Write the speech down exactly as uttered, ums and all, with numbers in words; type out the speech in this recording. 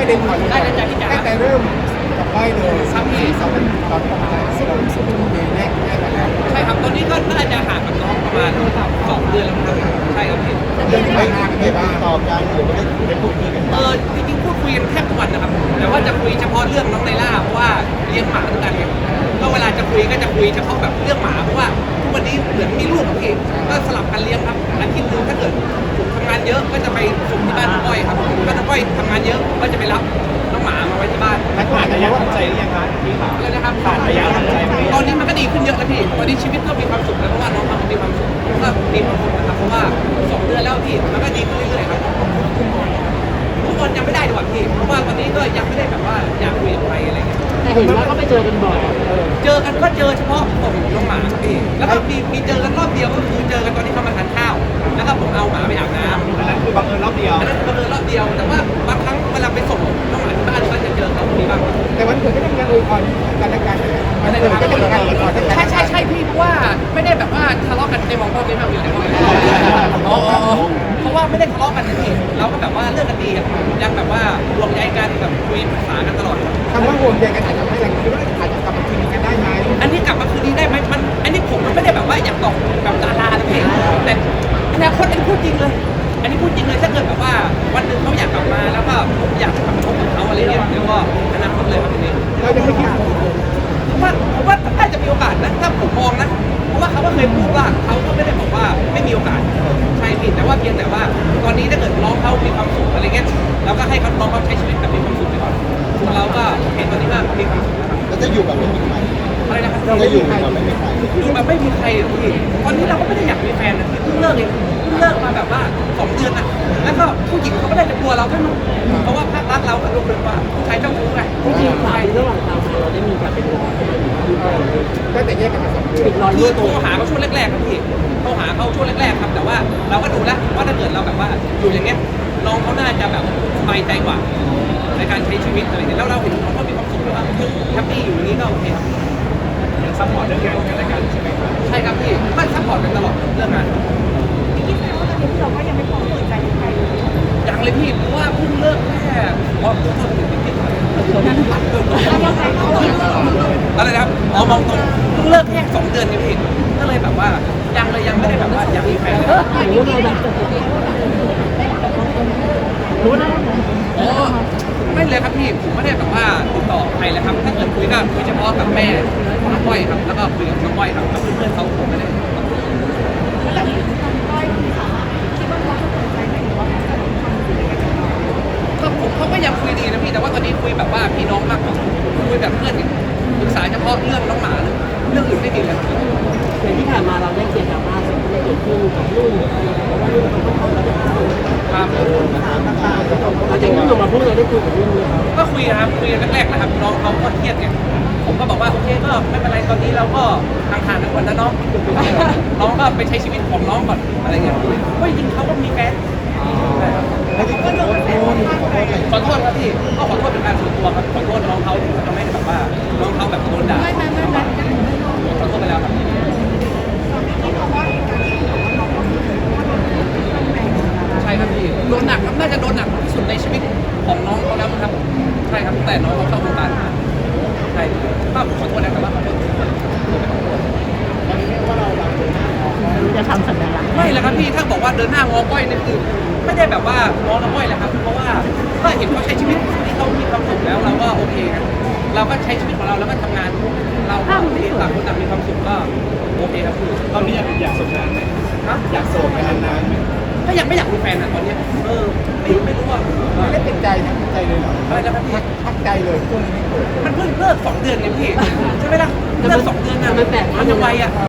ประเด็นก่อนได้เลยจ้ะพี่จ๋าตั้งแต่เริ่มกับก้อยเลยครับพี่สองตอนประมาณสองสองปีแรกแรกแล้วใช่ครับตอนนี้ก็น่าจะห่างกับน้องประมาณสองเดือนแล้วครับใช่ครับพี่เรื่องที่ผ่านมาเป็นไงบ้างต่อกันหรือว่าได้ได้พูดคุยกันเออจริงๆพูดคุยกันแทบทุกวันนะครับแต่ว่าจะคุยเฉพาะเรื่องน้องไนล่าเพราะว่าเลี้ยงหมาด้วยกันไงก็เวลาจะคุยก็จะคุยเฉพาะแบบเรื่องหมาเพราะว่าทุกวันนี้เหมือนมีลูกกับพี่ก็สลับกันเลี้ยงครับอาทิตย์หนึงถ้าเกิดผมทำงานเยอะก็จะไปส่งที่บ้านน้องก้อยครับถ้าน้องก้อยทำงานเยอะก็จะไปรับน้องหมามาไว้ที่บ้านนักผ่านระยะทำใจหรือยังคะพี่ค่ะเลยนะครับผ่านระยะทำใจไหมตอนนี้มันก็ดีขึ้นเยอะแล้วพี่ตอนนี้ชีวิตก็มีความสุขแล้วเพราะว่าน้องเขาก็มีความสุขก็มีความสุขนะครับเพราะว่าสองเดือนแล้วพี่มันก็ดีขึ้นเรื่อยๆครับทุกคนยังไม่ได้ดีกว่าพี่เพราะว่าตอนนี้ก็ยังไม่ได้แบบว่าอยากคุยกับใครอะไรเงี้ยแต่เห็นว่าก็ไปเจอกันบ่อยเจอกันก็เจอเฉพาะผมน้องหมาครับพี่แล้วก็มีมีเจอกันรอบเดียวก็คือเจอกันตอนที่เขามาทานข้าวแล้วก็ผมเอาหมาไปอาบน้ำอันนั้นคือบังเอิญรอบเดียวอันนั้นบังเอิญรอบเดียวแต่ว่าบางครั้งเวลาไปส่งน้องหมาที่บ้านก็จะเจอเขามีบ้างครับแต่วันเกิดก็ต้องการอวยพรกันและกันวันเกิดก็ต้องการอวยพรกันใช่ใช่ใช่พี่เพราะว่าไม่ได้แบบว่าทะเลาะกันในมองพ่อไม่มาอยู่ในห้องอ๋อเพราะว่าไม่ได้ทะเลาะกันนะพี่เราก็แบบว่าเลิกกันดีอะยังแบบว่าห่วงใยกันแบบคุยปรึกษากันตลอดคำว่าห่วงใยกันอาจจะทำให้เราคิดว่าอาจจะกลับมาคืนดีกันได้ไหมอันนี้กลับมาคืนดีได้ไหมมันอันนี้ผมมันไม่ได้แบบว่าอยากตอกแบบดารานะพี่แต่อนาคตอันนี้พูดจริงเลย อันนี้พูดจริงเลยถ้าเกิดแบบว่าวันหนึ่งเขาอยากกลับมาแล้วก็ผมอยากกลับมาพบกับเขาอะไรเงี้ยแล้วก็อนาคตเลยครับทีนี้เราจะไม่คิดผมว่าผมว่าน่าจะมีโอกาสนะถ้าผมมองนะเพราะว่าเขาก็เคยพูดว่าเขาก็ไม่ได้บอกว่าไม่มีโอกาสใช่ผิดแต่ว่าเพียงแต่ว่าตอนนี้ถ้าเกิดน้องเขามีความสุขอะไรเงี้ยเราก็ให้เขาน้องเขาใช้ชีวิตแบบมีความสุขไปก่อนส่วนเราก็เห็นตอนนี้ว่ามีความสุขนะครับแล้วจะอยู่แบบไม่มีใครอะไรนะครับจะอยู่แบบไม่มีใครอยู่แบบไม่มีใครอะพี่ตอนนี้เราก็ไม่ได้อยากมีแฟนนะพี่เพิ่งเลิกเองเพิ่งเลิกมาแบบว่าสองเดือนอะแล้วก็ผู้หญิงเขาก็ได้จะกลัวเราแค่นั้นเพราะว่าภาพลักษณ์เราก็รู้เลยว่าผู้ชายเจ้าชู้ไงจริงๆสายระหว่างทางเราได้มีการเป็นห่วงกันไหมก็แต่แยกกันมาสองเดือนปิดรอยคืรั่อวโทตัรวหาเขาช่วงแรกๆครับพี่โทรหาเขาช่วงแรกๆครับแต่ว่าเราก็ดูแล้วว่าถ้าเกิดเราแบบว่าอยู่อย่างเงี้ยน้องเขาน่าจะแบบสบายใจกว่าในการใช้ชีวิตอะไรอย่างเงี้ยแล้วเราเห็นเขาก็มีความสุขแล้วว่าแฮปปี้อยู่อย่างนี้ก็โอเคครับยังซัพพอร์ตเรื่องงานกันและกันใช่ไหมครับใช่ครับพี่ก็ซัพพอร์ตกันตลอดเรื่องงานคิดไหมว่าตอนนี้เราก็ยังไม่พร้อมเปิดใจกับใครเลยยังเลยพี่เพราะว่าเพิ่งเลิกแค่ว่าเพิ่งเลิกถึงนิดๆอะไรนะครับอ๋อมองตรงเพิ่งเลิกแค่สองเดือนนี่พี่ก็เลยแบบว่ายังเลยยังไม่ได้แบบว่าอยากมีแฟนเลยหรือว่าเราแบบรู้นะอ๋อไม่เลยครับพี่ผมไม่ได้แบบว่าติดต่อใครเลยครับถ้าเกิดคุยก็คุยเฉพาะกับแม่ของน้องก้อยครับแล้วก็คุยกับน้องก้อยครับกับเพื่อนๆเขาผมไม่ได้แล้วแบบนี้ทางก้อยคุณสามารถคิดว่าเขาจะเปิดใจไหมหรือว่าเขาจะทำสิ่งอะไรกันบ้างก็ผมเขาก็ยังคุยดีนะพี่แต่ว่าตอนนี้คุยแบบว่าพี่น้องมากกว่าคุยแบบเพื่อนกันปรึกษาเฉพาะเรื่องน้องหมาเลยเรื่องอื่นไม่มีเลยครับอย่างที่ผ่านมาเราได้เกียรติดราม่าสิ่งที่เกิดขึ้นกับลูกว่าลูกเขาต้องทำแล้วครับหลังจากที่ลงมาพูดเราได้คุยกับลูกไหมครับก็คุยนะครับคุยกันแรกๆนะครับน้องเขาก็เครียดไงผมก็บอกว่าโอเคก็ไม่เป็นไรตอนนี้เราก็ทางทางกันก่อนนะน้องน้องก็ไปใช้ชีวิตของน้องก่อนอะไรเงี้ยเพราะจริงๆเขาก็มีแฟนใช่ครับแล้วที่คุณโดนโดนขอโทษอะไรขอโทษครับพี่ก็ขอโทษเป็นการส่วนตัวครับขอโทษน้องเขาที่ทำให้แบบว่าน้องเขาแบบโดนด่าไม่ไม่ไม่ไม่ไม่ไม่ขอโทษไปแล้วครับที่เขาว่าการที่บอกว่าน้องเขาเคยว่าโดนทำแรงนะคะใช่ครับพี่โดนหนักครับน่าจะโดนหนักที่สุดในชีวิตของน้องเขาแล้วมั้งครับใช่ครับแต่น้องเขาเข้าวงการมาใช่ก็ขอโทษนะครับว่าขอโทษขอโทษขอโทษจะทำสัญลักษณ์ไม่แล้วครับพี่ถ้าบอกว่าเดินหน้างอก้อยนี่คือไม่ได้แบบว่างอน้ำก้อยแหละครับเพราะว่าก็เห็นเขาใช้ชีวิตที่เขามีความสุขแล้วเราก็โอเคครับเราก็ใช้ชีวิตของเราแล้วก็ทำงานเราก็โอเคต่างคนต่างมีความสุขก็โอเคครับพี่ตอนนี้อยากอยากโสดนานไหมนะอยากโสดไปนานๆไหมก็ยังไม่อยากมีแฟนอ่ะตอนเนี้ยเออไม่ไม่รู้ว่าไม่ได้เป็นใจนะเป็นใจเลยเหรออะไรนะครับพี่พักใจเลยช่วงนี้ไม่เกิดมันเพิ่งเลิกสองเดือนไงพี่ใช่ไหมล่ะเลิกสองเดือนอ่ะมันแปลกมันยังไวอ่ะ